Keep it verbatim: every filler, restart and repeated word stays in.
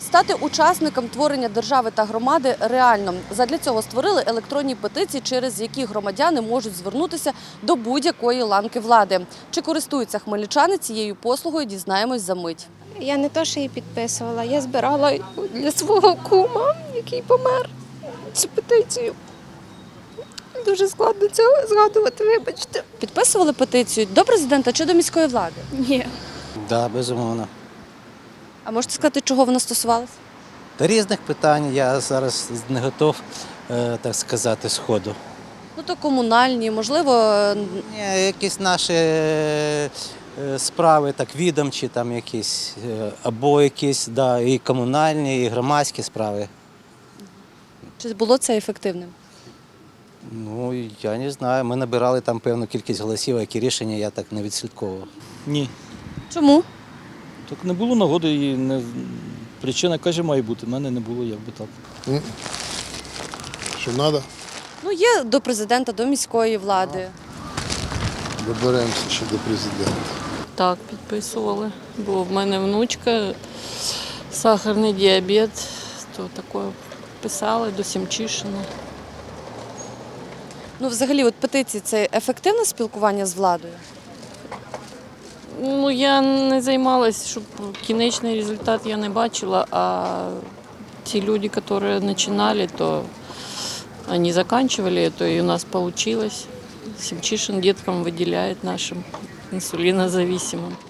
Стати учасником творення держави та громади реально. Задля цього створили електронні петиції, через які громадяни можуть звернутися до будь-якої ланки влади. Чи користуються хмельничани цією послугою, дізнаємось за мить. Я не то, що її підписувала, я збирала для свого кума, який помер, цю петицію. Дуже складно цього згадувати, вибачте. Підписували петицію до президента чи до міської влади? Ні. Да, безумовно. А можете сказати, чого вона стосувалася? Та різних питань я зараз не готов, е, так сказати, сходу. Ну, то комунальні, можливо, Ні, якісь наші е, справи, так відомчі, там якісь, е, або якісь, да, і комунальні, і громадські справи. чи було це ефективним? Ну, я не знаю, ми набирали там певну кількість голосів, а які рішення я так не відслідковував. Ні. Чому? Так не було нагоди і не... причина, каже, має бути. У мене не було, як би так. Що треба? Ну, є до президента, до міської влади. Доберемося ще до президента. Так, підписували. Бо в мене внучка, сахарний діабет, то таке писали до Сімчишина. Ну, взагалі, от петиції – це ефективне спілкування з владою? Ну, я не займалась, щоб кінечний результат я не бачила, а ті люди, які починали, то вони закінчували, то і у нас вийшло. Сімчишин діткам виділяє нашим інсулінозависимим.